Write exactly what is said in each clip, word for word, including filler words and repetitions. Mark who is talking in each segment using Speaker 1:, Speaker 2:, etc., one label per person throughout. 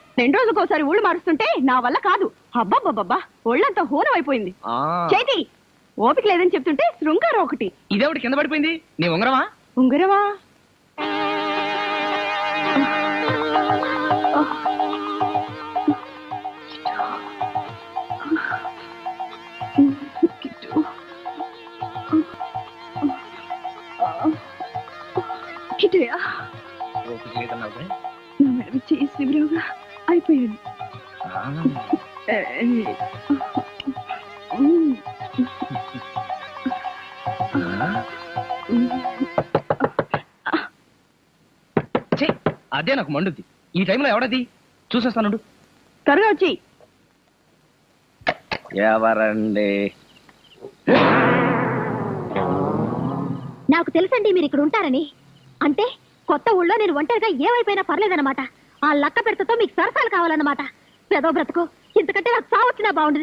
Speaker 1: రెండు రోజులకు ఒకసారి ఊళ్ళు మారుస్తుంటే నా వల్ల కాదు. అబ్బాబ్బాబ్బా ఒళ్ళంతా హోనం అయిపోయింది. చేతి ఓపిక లేదని చెప్తుంటే శృంగారం ఒకటి.
Speaker 2: ఇదేవిటి కింద పడిపోయింది? నీ ఉంగరమా?
Speaker 1: ఉంగరమా? అయిపోయాడు.
Speaker 2: అదే నాకు మండుద్ది. ఈ టైంలో ఎవడది? చూసేస్తాను.
Speaker 1: త్వరగా వచ్చి.
Speaker 2: ఎవరండి?
Speaker 3: నాకు తెలుసండి మీరు ఇక్కడ ఉంటారని. అంటే కొత్త ఊళ్ళో నేను ఒంటరిగా ఏమైపోయినా పర్లేదన్నమాట. ఆ లక్క పెడతతో మీకు సరసాలు కావాలన్నమాట. పెదో బ్రతుకు, ఇంతకంటే నాకు సావు వచ్చినా బాగుండదు.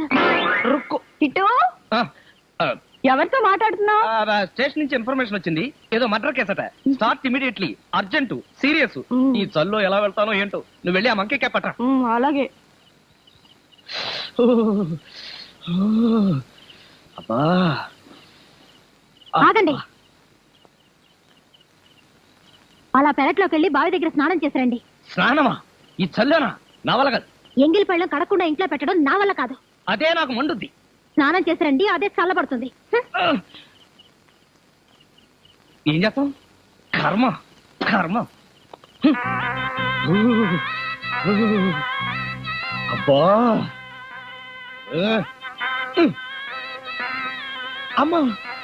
Speaker 1: ఎవరితో మాట్లాడుతున్నావు?
Speaker 2: స్టేషన్ నుంచి ఇన్ఫర్మేషన్ వచ్చింది. ఏదో మర్డర్ కేసట. Start immediately, urgent, serious. ఈ చల్లో ఎలా వెళ్తానో ఏంటో. నువ్వు వెళ్ళి ఆ మంకే పట్ట.
Speaker 1: అలాగే.
Speaker 2: అబ్బా
Speaker 3: ఆగండి. అలా పెరట్లోకి వెళ్ళి బావి దగ్గర స్నానం చేశారండి.
Speaker 2: స్నానమా? ఈ చల్లోనా? నా వల్ల కాదు.
Speaker 3: ఎంగిలి పళ్ళం కడకుండా ఇంట్లో పెట్టడం నా వల్ల కాదు.
Speaker 2: అదే నాకు మండుద్ది.
Speaker 3: స్నానం చేశారండి, అదే చల్లబడుతుంది.
Speaker 2: ఏం చేస్తాం? కర్మ కర్మ. అబ్బా అమ్మా.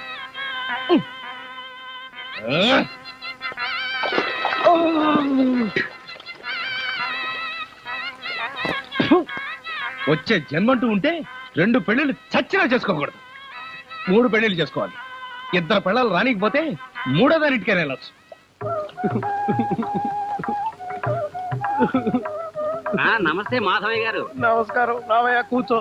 Speaker 2: వచ్చే జన్మంటూ ఉంటే రెండు పెళ్లిళ్ళు చచ్చినా చేసుకోకూడదు. మూడు పెళ్లిళ్ళు చేసుకోవాలి. ఇద్దరు పిల్లలు రానికపోతే మూడో దానిటికైనా వెళ్ళొచ్చు.
Speaker 4: నమస్తే మాధవయ్య గారు.
Speaker 2: నమస్కారం. రావయ్య, కూర్చో.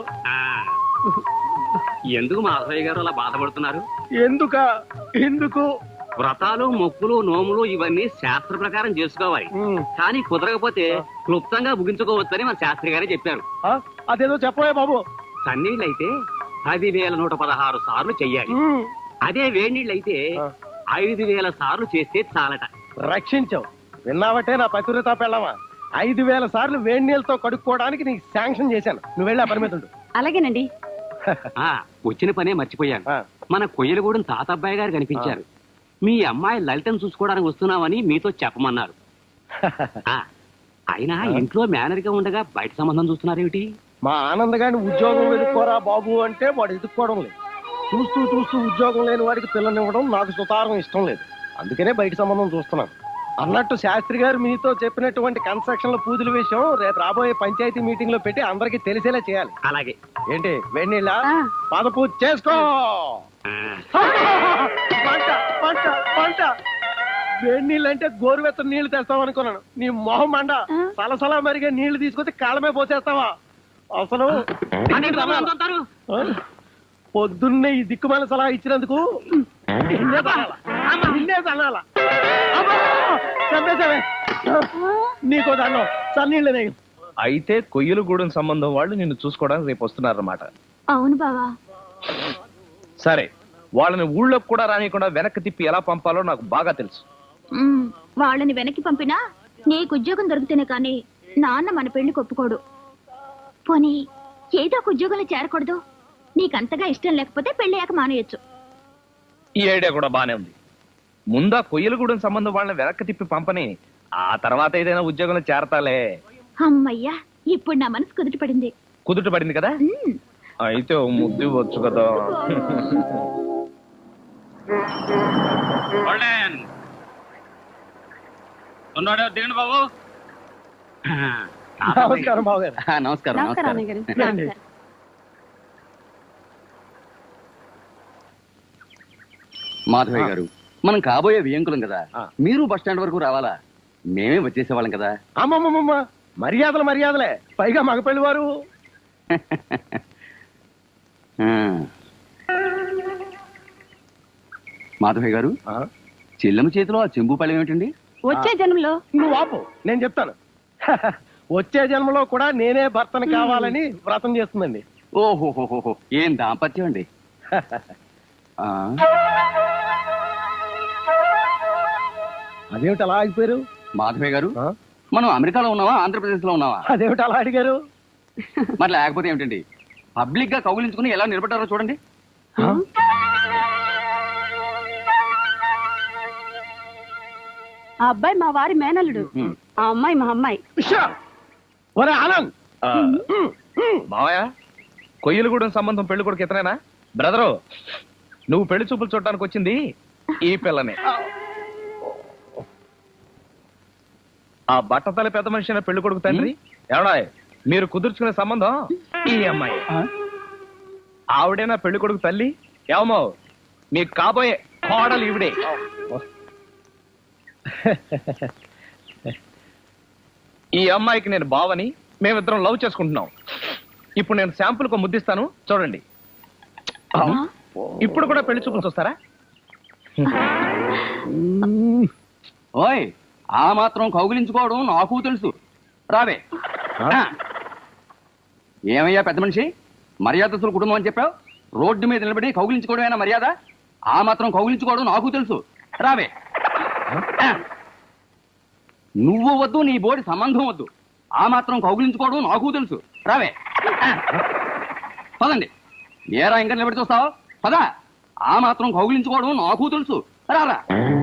Speaker 4: ఎందుకు మాధవయ్య గారు అలా బాధపడుతున్నారు?
Speaker 2: ఎందుక ఎందుకు?
Speaker 4: వ్రతాలు, మొక్కులు, నోములు ఇవన్నీ శాస్త్ర ప్రకారం చేసుకోవాలి. కానీ కుదరకపోతే క్లుప్తంగా ముగించుకోవచ్చని మన శాస్త్రి గారే చెప్పారు.
Speaker 2: అదేదో చెప్పవే బాబు.
Speaker 4: సన్నీళ్ళైతే పది వేల నూట పదహారు సార్లు చెయ్యాలి. అదే వేడినీళ్ళైతే ఐదు వేల సార్లు చేస్తే చాలట.
Speaker 2: రక్షించావు. విన్నావటే నా పతివ్రత పెళ్ళమా? ఐదు వేల సార్లు వేడి నీళ్ళతో కడుక్కోవడానికి నీకు శాంక్షన్ చేశాను. నువ్వు వెళ్ళి ఆ పరిమితుడు.
Speaker 1: అలాగేనండి.
Speaker 4: వచ్చిన పనే మర్చిపోయాను. మన కొయ్యలగూడెం తాతబ్బాయి గారు కనిపించారు. మీ అమ్మాయి లలితను చూసుకోవడానికి వస్తున్నామని మీతో చెప్పమన్నారు. అయినా ఇంట్లో మేనర్ గా ఉండగా బయట సంబంధం చూస్తున్నారేమిటి?
Speaker 2: మా ఆనంద్ గారిని ఉద్యోగం వెతుక్కోరా బాబు అంటే వాడు ఎదుక్కోవడం లేదు. చూస్తూ చూస్తూ ఉద్యోగం లేని వాడికి పిల్లనివ్వడం నాకు సుతారం ఇష్టం లేదు. అందుకనే బయట సంబంధం చూస్తున్నాను. అన్నట్టు శాస్త్రి గారు మీతో చెప్పినటువంటి కన్స్ట్రక్షన్ లో పూజల విషయం రేపు రాబోయే పంచాయతీ మీటింగ్ లో పెట్టి అందరికి తెలిసేలా చేయాలి.
Speaker 4: అలాగే.
Speaker 2: ఏంటి వేణీళ్ళ పాద పూజ చేసుకో. పంట పంట పంట. వేడి నీళ్ళు అంటే గోరువెత్తని నీళ్లు తెస్తావు అనుకున్నాను. నీ మొహం మండ. సలసలా మరిగే నీళ్లు తీసుకొచ్చి కాళ్ళమే పోసేస్తావా? అసలు పొద్దున్నే ఈ దిక్కుమాల సలహా ఇచ్చినందుకు నీకో దాన్ని సన్నీళ్ళు. అయితే కొయ్యలగూడెం సంబంధం వాళ్ళు నిన్ను చూసుకోవడానికి రేపు వస్తున్నారన్నమాట.
Speaker 3: అవును బావా.
Speaker 2: సరే, వాళ్ళని ఊళ్ళోకి కూడా రానియకుండా వెనక్కి తిప్పి ఎలా పంపాలో నాకు బాగా తెలుసు.
Speaker 3: వాళ్ళని వెనక్కి పంపినా నీకు ఉద్యోగం దొరికితేనే కానీ నాన్న మన పెళ్లికి ఒప్పుకోడు. పోనీ ఏదో ఒక ఉద్యోగంలో చేరకూడదు? నీకంతగా ఇష్టం లేకపోతే పెళ్ళయ్యాక మానేయచ్చు.
Speaker 2: ఈ ఐడియా కూడా బానే ఉంది. ముందా కొయ్యలగూడెం సంబంధం వాళ్ళని వెనక్కి తిప్పి పంపని, ఆ తర్వాత ఏదైనా ఉద్యోగంలో చేరతాలే.
Speaker 3: అమ్మయ్యా, ఇప్పుడు నా మనసు కుదుట పడింది.
Speaker 2: కుదుట పడింది కదా? అయితే ముద్దు వచ్చు కదా.
Speaker 4: దిగండి బాబు.
Speaker 2: నమస్కారం బాబు గారు.
Speaker 4: నమస్కారం. నమస్కారం. మాధవయ్య గారు, మనం కాబోయే వియంకులం కదా, మీరు బస్ స్టాండ్ వరకు రావాలా? మేమే వచ్చేసేవాళ్ళం కదా.
Speaker 2: అమ్మమ్మమ్మ, మర్యాదలు మర్యాదలే, పైగా మగపెళ్లి వారు.
Speaker 4: మాధవయ్య గారు, చెల్లెమ్మ చేతిలో ఆ చెంబు పళ్ళం ఏమిటండి?
Speaker 1: వచ్చే జన్మలో.
Speaker 2: నువ్వు ఆపు, నేను చెప్తాను. వచ్చే జన్మలో కూడా నేనే భర్తను కావాలని వ్రతం చేస్తుందండి.
Speaker 4: ఓహోహోహో, ఏం దాంపత్యం అండి. ఆ,
Speaker 2: అదేమిటి అలా ఆగిపోయారు?
Speaker 4: మాధవయ్య గారు,
Speaker 2: ఆ?
Speaker 4: మనం అమెరికాలో ఉన్నావా ఆంధ్రప్రదేశ్ లో ఉన్నావా?
Speaker 2: అదేమిటి అలా అడిగారు?
Speaker 4: మరి లేకపోతే ఏమిటండి, పబ్లిక్ గా కౌగిలించుకుని ఎలా నిలబడ్డారో చూడండి.
Speaker 2: ఆ?
Speaker 1: ఆ అబ్బాయి మా వారి మేనల్లుడు,
Speaker 4: ఉమ్.
Speaker 1: ఆ అమ్మాయి మా అమ్మాయి.
Speaker 2: ఉష్షా! ఒరే ఆనంద్,
Speaker 5: మావయ్య, కొయ్యలగూడెం సంబంధం పెళ్లి కొడుకు ఇతనేనా? బ్రదరు, నువ్వు పెళ్లి చూపులు చూడటానికి వచ్చింది ఈ పిల్లని. ఆ బట్టతల పెద్ద మనిషి అయిన పెళ్లి కొడుకు తండ్రి ఎవడా మీరు కుదుర్చుకునే సంబంధం ఈ అమ్మాయి. ఆవిడేనా పెళ్లి కొడుకు తల్లి? ఏమో మీకు కాబోయే కోడలు ఈవిడే. ఈ అమ్మాయికి నేను బావని, మేమిద్దరం లవ్ చేసుకుంటున్నాం. ఇప్పుడు నేను శాంపుల్ కు ముద్దిస్తాను, చూడండి. ఇప్పుడు కూడా పెళ్లి చూపులు చూస్తారా?
Speaker 4: ఓయ్, ఆ మాత్రం కౌగిలించుకోవడం నాకు తెలుసు. రావే. ఏమయ్యా పెద్ద మనిషి, మర్యాదస్తుల కుటుంబం అని చెప్పావు, రోడ్డు మీద నిలబడి కౌగిలించుకోవడమేనా మర్యాద? ఆ మాత్రం కౌగిలించుకోవడం నాకు తెలుసు. రావే. నువ్వు వద్దు, నీ బోడి సంబంధం వద్దు, ఆ మాత్రం కౌగిలించుకోవడం నాకు తెలుసు. రావే. పదండి. ఏరా ఇంకా నిలబడి చూస్తావు? పదా. ఆ మాత్రం కౌగిలించుకోవడం నాకు తెలుసు. రారా.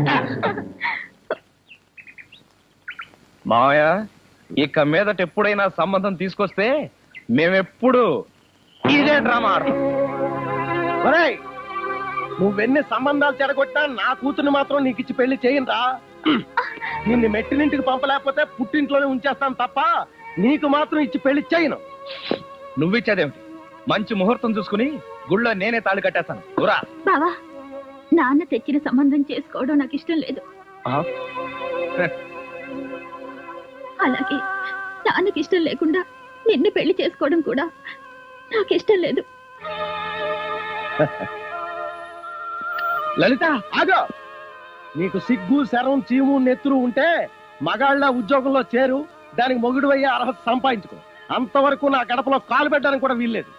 Speaker 5: మావయ్య, ఇక మీదట ఎప్పుడైనా సంబంధం తీసుకొస్తే మేమెప్పుడు ఇదే డ్రామా ఆడతాం.
Speaker 2: ఒరేయ్, నువ్వెన్ని సంబంధాలు చెడగొట్టా నా కూతుర్ని మాత్రం నీకు ఇచ్చి పెళ్లి చేయనురా. నిన్ను మెట్టినింటికి పంపలేకపోతే పుట్టింట్లోనే ఉంచేస్తాను తప్ప నీకు మాత్రం ఇచ్చి పెళ్లి చేయను.
Speaker 5: నువ్విచ్చేదేమిటి? మంచి ముహూర్తం చూసుకుని గుళ్ళో నేనే తాళి కట్టేస్తాను. ఊరా.
Speaker 3: బావా, నాన్న తెచ్చిన సంబంధం చేసుకోవడం నాకు ఇష్టం లేదు. అలాగే నాన్నకి ఇష్టం లేకుండా నిన్ను పెళ్లి చేసుకోవడం కూడా నాకు ఇష్టం లేదు.
Speaker 2: లలిత ఆగో. నీకు సిగ్గు శరం చీము నెత్తురు ఉంటే మగాళ్ళ ఉద్యోగంలో చేరు, దానికి మొగుడు అయ్యే అర్హత సంపాదించుకో. అంతవరకు నా గడపలో కాలు పెట్టడానికి కూడా వీల్లేదు.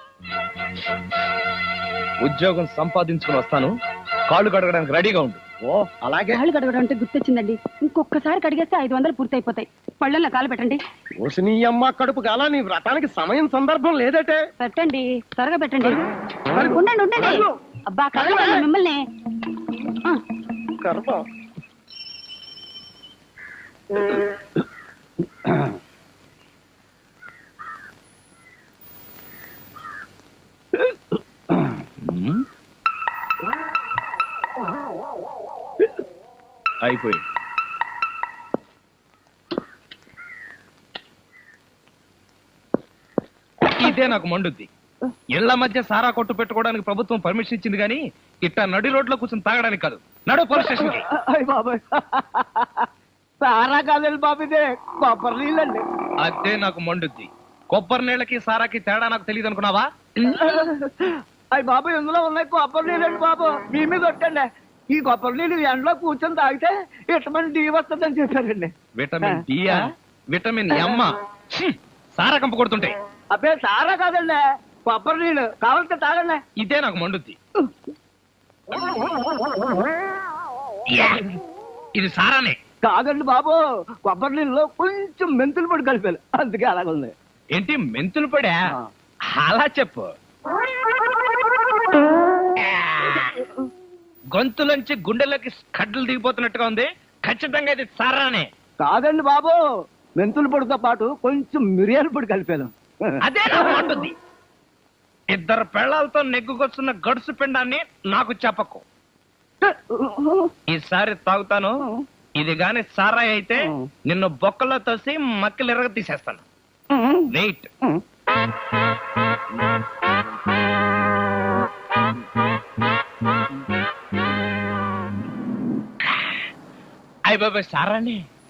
Speaker 5: ఉద్యోగం సంపాదించుకుని వస్తాను, కాళ్ళు కడగడానికి రెడీగా ఉండు.
Speaker 2: ఓ అలాగే.
Speaker 1: కాళ్ళు కడగడం అంటే గుర్తొచ్చిందండి, ఇంకొకసారి కడిగేస్తే ఐదు వందలు పూర్తయిపోతాయి. పళ్ళల్లో కాలు పెట్టండి.
Speaker 2: ఓసి నీ అమ్మ కడుపు కాల, నీ వ్రతానికి సమయం సందర్భం లేదటే.
Speaker 1: పెట్టండి, త్వరగా పెట్టండి. ఉండండి ఉండండి. అబ్బా కదలండి మిమ్మల్ని. ఆ,
Speaker 2: గర్భం.
Speaker 5: అయిపోయింది. ఇదే నాకు మండుద్ది. ఇళ్ల మధ్య సారా కొట్టు పెట్టుకోవడానికి ప్రభుత్వం పర్మిషన్ ఇచ్చింది కానీ ఇట్టా నడి రోడ్లో కూర్చొని తాగడానికి కాదు. నడు పోలీస్ స్టేషన్ కి.
Speaker 2: బాబాయ్, సారా కాదండి బాబు, ఇదే కొబ్బరి నీళ్ళండి.
Speaker 5: అదే నాకు మండుద్ది. కొబ్బరి నీళ్ళకి సారాకి తేడా నాకు తెలియదు అనుకున్నావా?
Speaker 2: అయ్యి బాబు, ఇందులో ఉన్నాయి కొబ్బరి నీళ్ళండి బాబు. మీ మీద కొట్టండి. ఈ కొబ్బరి నీళ్ళు ఎండలో కూర్చొని తాగితే విటమిన్ డి వస్తుందని చెప్పారండి.
Speaker 5: విటమిన్ డియా? విటమిన్ ఎమ్మ? సారా కంప కొడుతుంటాయి.
Speaker 2: అబ్బే సారా కాదండి, కొబ్బరి నీళ్ళు. కావాలంటే తాగండి.
Speaker 5: ఇదే నాకు మండుద్ది. ఇది సారానే
Speaker 2: కాదండి బాబు, కొబ్బరి నీళ్ళలో కొంచెం మెంతులు పొడి కలిపారు, అందుకే అలాగుంది.
Speaker 5: ఏంటి మెంతులు పడా? అలా చెప్పు. గొంతులోంచి గుండెలోకి కడ్డలు దిగిపోతున్నట్టుగా ఉంది. ఖచ్చితంగా ఇది సారానే.
Speaker 2: కాదండి బాబు, మెంతుల పొడితో పాటు కొంచెం మిరియాల పొడి కలిపాను.
Speaker 5: అదే నాకు మండుద్ది. ఇద్దరు పెళ్లాలతో నెగ్గుకొస్తున్న గడుసు పిండాన్ని నాకు చెప్పకు. ఈసారి తాగుతాను. ఇది గాని సారాయి అయితే నిన్ను బొక్కలో తోసి మక్కలు ఎరగ తీసేస్తాను. వెయిట్. అయ్య బాబాయ్, సారాని